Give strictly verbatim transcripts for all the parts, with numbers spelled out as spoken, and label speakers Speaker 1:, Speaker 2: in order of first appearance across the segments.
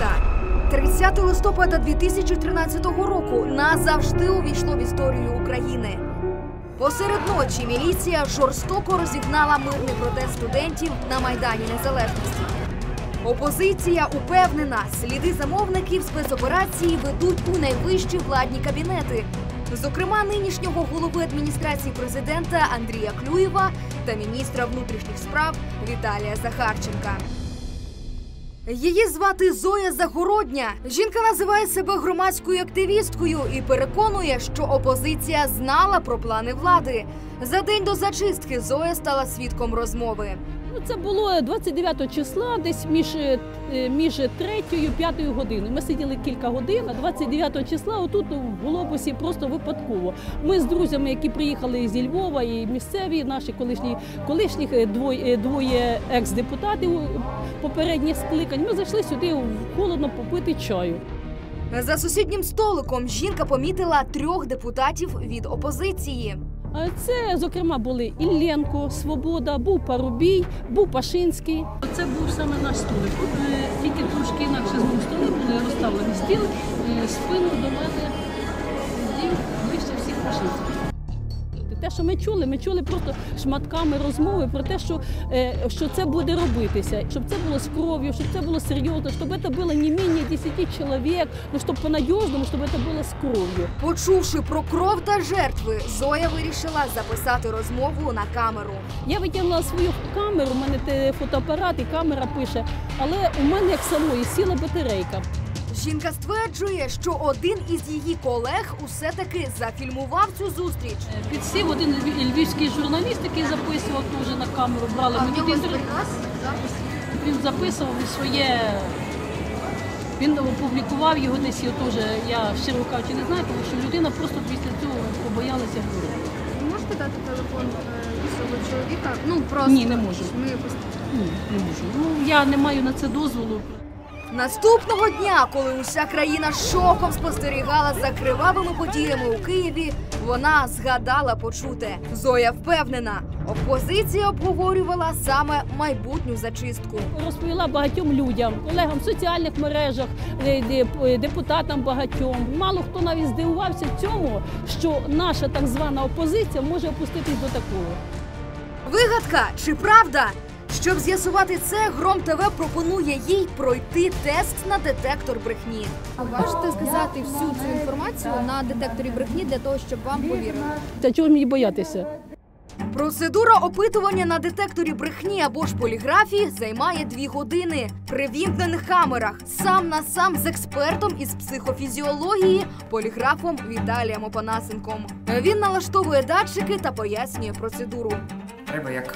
Speaker 1: міста. тридцятого листопада дві тисячі тринадцятого року назавжди увійшло в історію України. Посеред ночі міліція жорстоко розігнала мирний протест студентів на Майдані Незалежності. Опозиція упевнена, сліди замовників спецоперації ведуть у найвищі владні кабінети. Зокрема, нинішнього голови адміністрації президента Андрія Клюєва та міністра внутрішніх справ Віталія Захарченка. Її звати Зоя Загородня. Жінка називає себе громадською активісткою і переконує, що опозиція знала про плани влади. За день до зачистки Зоя стала свідком розмови.
Speaker 2: Це було двадцять дев'ятого числа, десь між, між третьою і п'ятою годиною. Ми сиділи кілька годин, а двадцять дев'ятого числа отут в Глобусі просто випадково. Ми з друзями, які приїхали зі Львова, і місцеві, наші колишні, колишніх двоє, двоє екс-депутатів попередніх скликань, ми зайшли сюди холодно попити чаю.
Speaker 1: За сусіднім столиком жінка помітила трьох депутатів від опозиції.
Speaker 2: Це, зокрема, були Ілленко, Свобода, був Парубій, був Пашинський. Це був саме наш столик. Тільки трошки інакше з моїм столи були розставлені стіл, спину до мене сидів ближче всіх Пашинських. Те, що ми чули, ми чули просто шматками розмови про те, що, що це буде робитися, щоб це було з кров'ю, щоб це було серйозно, щоб це було не менше десяти чоловік, ну, щоб по-надіжному, щоб це було з кров'ю.
Speaker 1: Почувши про кров та жертви, Зоя вирішила записати розмову на камеру.
Speaker 2: Я витягнула свою камеру, у мене фотоапарат і камера пише, але у мене як самої сіла батарейка.
Speaker 1: Жінка стверджує, що один із її колег усе-таки зафільмував цю зустріч.
Speaker 2: Підсів один львівський журналіст, який записував теж на камеру, брали
Speaker 1: а
Speaker 2: мені інтерв'ю. Він записував своє, він опублікував його десь, його теж, я щиро кажучи не знаю, тому що людина просто після цього побоялася говорити.
Speaker 3: Ви можете дати телефон цього чоловіка? Ну, просто.
Speaker 2: Ні, не можу.
Speaker 3: Ми...
Speaker 2: Ні, не можу. Ну, я не маю на це дозволу.
Speaker 1: Наступного дня, коли уся країна шоком спостерігала за кривавими подіями у Києві, вона згадала почуте. Зоя впевнена, опозиція обговорювала саме майбутню зачистку.
Speaker 2: Розповіла багатьом людям, колегам в соціальних мережах, депутатам багатьом. Мало хто навіть здивувався цьому, що наша так звана опозиція може опуститись до такого.
Speaker 1: Вигадка чи правда? Щоб з'ясувати це, Гром ТВ пропонує їй пройти тест на детектор брехні.
Speaker 3: А можете сказати всю цю інформацію на детекторі брехні для того, щоб вам повірили?
Speaker 2: Та чого мені боятися?
Speaker 1: Процедура опитування на детекторі брехні або ж поліграфії займає дві години. При вімкнених камерах, сам на сам з експертом із психофізіології, поліграфом Віталієм Опанасенком. Він налаштовує датчики та пояснює процедуру.
Speaker 4: Треба як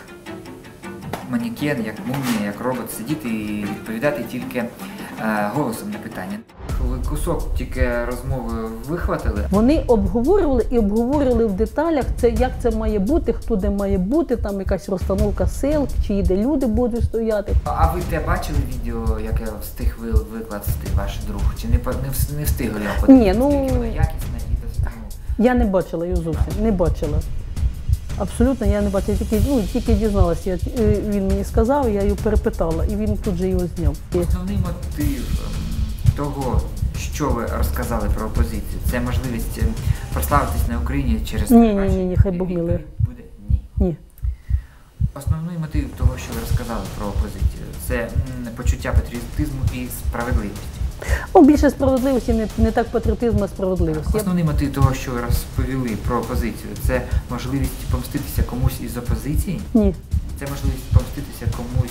Speaker 4: манікен, як мумія, як робот сидіти і відповідати тільки е, голосом на питання. Коли кусок тільки розмови вихватили.
Speaker 2: Вони обговорювали і обговорювали в деталях, це, як це має бути, хто де має бути, там якась розстановка сил, чи де люди будуть стояти.
Speaker 4: А ви те бачили відео, яке встиг викласти ваш друг? Чи не, не, не встигли його подивитися?
Speaker 2: Ні, ну...
Speaker 4: якісне відео?
Speaker 2: Я не бачила його зовсім, не бачила. Абсолютно я не бачила, тільки, ну, тільки дізналася, я, він мені сказав, я його перепитала, і він тут же його зняв.
Speaker 4: Основний мотив того, що ви розказали про опозицію, це можливість прославитись на Україні через...
Speaker 2: Ні, ні, ні, ні, хай Бог милує.
Speaker 4: Буде? Ні.
Speaker 2: Ні.
Speaker 4: Основний мотив того, що ви розказали про опозицію, це почуття патріотизму і справедливості.
Speaker 2: О, більше справедливості, не, не так патріотизму, а справедливості.
Speaker 4: Основний мотив того, що ви розповіли про опозицію, це можливість помститися комусь із опозиції?
Speaker 2: Ні.
Speaker 4: Це можливість помститися комусь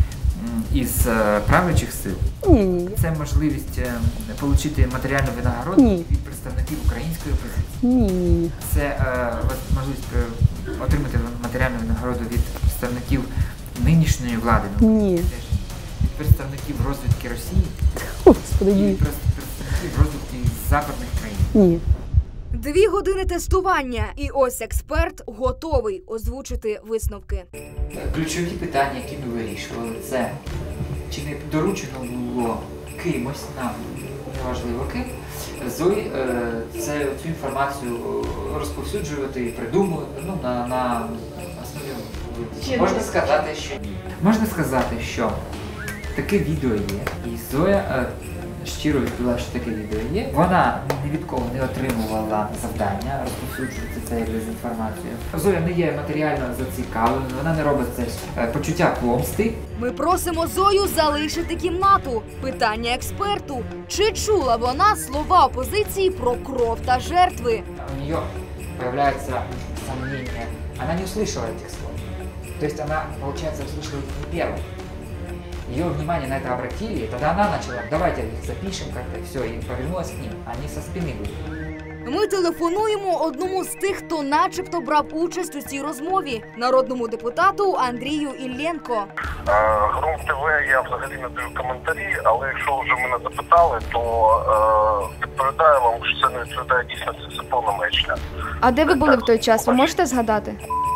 Speaker 4: із правлячих сил?
Speaker 2: Ні, ні.
Speaker 4: Це можливість отримати матеріальну винагороду
Speaker 2: ні.
Speaker 4: від представників української опозиції?
Speaker 2: Ні, ні.
Speaker 4: Це е, можливість отримати матеріальну винагороду від представників нинішньої влади?
Speaker 2: Ні.
Speaker 4: Від представників розвідки Росії?
Speaker 2: Господи, ні.
Speaker 4: І від представників розвідки западних країн?
Speaker 2: Ні.
Speaker 1: Дві години тестування, і ось експерт готовий озвучити висновки.
Speaker 4: Ключові питання, які ми вирішували, це чи не доручено було кимось нам, неважливо ким, Зої це цю інформацію розповсюджувати і придумувати, ну, на, на основі. Можна сказати, що ні. Можна сказати, що таке відео є, і Зоя щиро відповіла, що таке відео є. Вона ні від кого не отримувала завдання розповсюджувати це як дезінформацію. Зоя не є матеріально зацікавленою, вона не робить це е, почуття помсти.
Speaker 1: Ми просимо Зою залишити кімнату. Питання експерту. Чи чула вона слова опозиції про кров та жертви?
Speaker 4: У нее появляется сомнение. Она не услышала этих слов. То есть она, получается, услышала их не первой. Ее внимание на это обратили, и тогда она начала, давайте их запишем как-то, все, и повернулась к ним. Они со спины были.
Speaker 1: Ми телефонуємо одному з тих, хто начебто брав участь у цій розмові – народному депутату Андрію Іллєнко.
Speaker 5: Гром ТВ я взагалі не даю коментарі, але якщо вже мене запитали, то е, відповідаю вам, що це не відповідає дійсності, це повна маячня.
Speaker 3: А де ви були в той час? Ви можете згадати?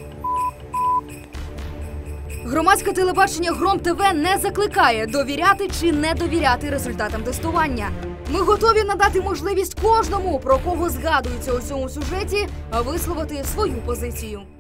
Speaker 1: Громадське телебачення Гром ТВ не закликає довіряти чи не довіряти результатам тестування. Ми готові надати можливість кожному, про кого згадується у цьому сюжеті, висловити свою позицію.